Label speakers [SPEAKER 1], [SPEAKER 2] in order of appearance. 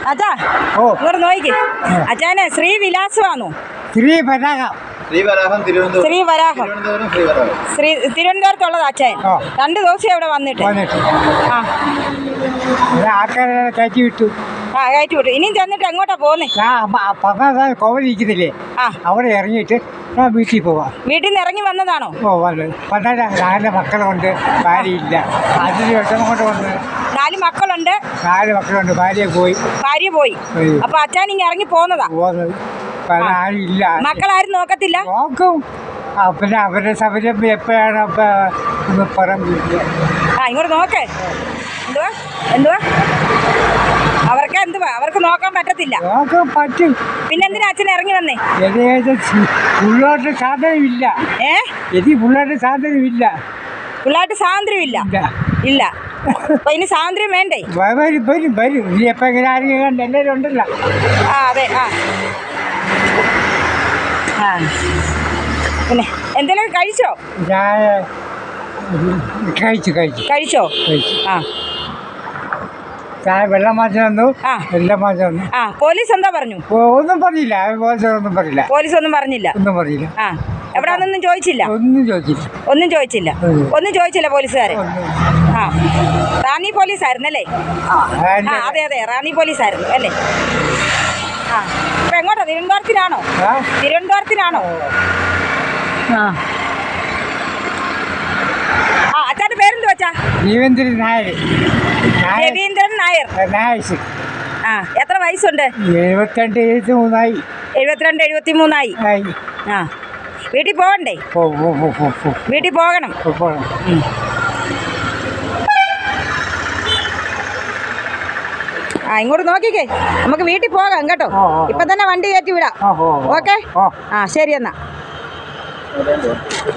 [SPEAKER 1] അച്ഛാ ഇങ്ങോട്ട് നോക്കി അച്ഛനെ ശ്രീവിലാസമാണോ? ശ്രീവരാഹം തിരുവനന്തപുരത്തുള്ളത് അച്ഛൻ 2 ദിവസം ഇവിടെ വന്നിട്ട്
[SPEAKER 2] കയറ്റി വിട്ടു.
[SPEAKER 1] കയറ്റി വിട്ടു. ഇനിയും ചെന്നിട്ട് എങ്ങോട്ടാ പോകുന്നേ?
[SPEAKER 2] കോവലിരിക്കുന്നില്ലേ അവിടെ ഇറങ്ങിയിട്ട് ഞാൻ വീട്ടിൽ പോവാം.
[SPEAKER 1] വീട്ടിൽ നിന്ന് ഇറങ്ങി വന്നതാണോ?
[SPEAKER 2] നാല് മക്കളുണ്ട്, ഭാര്യയില്ല. അതിന് വിഷമം കൊണ്ട് വന്ന്
[SPEAKER 1] 4 മക്കളുണ്ട്.
[SPEAKER 2] 4 മക്കളുണ്ട്, ഭാര്യ പോയി.
[SPEAKER 1] അപ്പൊ അച്ഛൻ ഇങ്ങനെ ഇറങ്ങി പോന്നതാ?
[SPEAKER 2] ആരും ഇല്ല.
[SPEAKER 1] മക്കളാരും നോക്കത്തില്ല?
[SPEAKER 2] നോക്കും. പിന്നെ അവരുടെ സൗകര്യം എപ്പോഴാണ് പറമ്പില്ല.
[SPEAKER 1] ഇങ്ങോട്ട് നോക്കേ. എന്തുവാ അവർക്ക് നോക്കാൻ പറ്റത്തില്ല?
[SPEAKER 2] നോക്കാൻ പറ്റും.
[SPEAKER 1] പിന്നെ എന്തിനാ അച്ഛൻ ഇറങ്ങി വന്നേ?
[SPEAKER 2] പിള്ളേരുടെ സാധനമില്ല. പിള്ളേരുടെ സാധനമില്ല.
[SPEAKER 1] പിള്ളേർക്ക് സ്വാതന്ത്ര്യമില്ല. ഇല്ല. അപ്പൊ ഇനി സ്വാതന്ത്ര്യം വേണ്ടേ?
[SPEAKER 2] വരും. ഇനി എപ്പോ ഇങ്ങനെ ആരെങ്കിലും കണ്ട് എല്ലാവരും ഉണ്ടല്ലോ.
[SPEAKER 1] അതെ. പിന്നെ എന്തെങ്കിലും കഴിച്ചോ? കഴിച്ചോ?
[SPEAKER 2] വെള്ളം മാറ്റം വന്നു, എല്ലാം മാറ്റം വന്നു.
[SPEAKER 1] പോലീസ് എന്താ പറഞ്ഞു?
[SPEAKER 2] ഒന്നും പറഞ്ഞില്ല.
[SPEAKER 1] പോലീസ് ഒന്നും പറഞ്ഞില്ല. എവിടാന്നൊന്നും ചോദിച്ചില്ല? ഒന്നും ചോദിച്ചില്ല പോലീസുകാരെ. റാന്നി പോലീസായിരുന്നല്ലേ? അതെ റാന്നി പോലീസായിരുന്നു അല്ലേ? അപ്പൊ എങ്ങോട്ടാ? തിരുവനന്തപുരത്തിനാണോ? അച്ഛൻ്റെ പേരെന്തു വെച്ചാ?
[SPEAKER 2] രവീന്ദ്രൻ നായർ.
[SPEAKER 1] എത്ര വയസ്സുണ്ട്? 72-73 വീട്ടിൽ പോകണ്ടേ? വീട്ടിൽ പോകണം. ഇങ്ങോട്ട് നോക്കിക്കേ, നമുക്ക് വീട്ടിൽ പോകാം കേട്ടോ. ഇപ്പൊ തന്നെ വണ്ടി കയറ്റി വിടാം. ഓക്കെ. ശരി എന്നാ.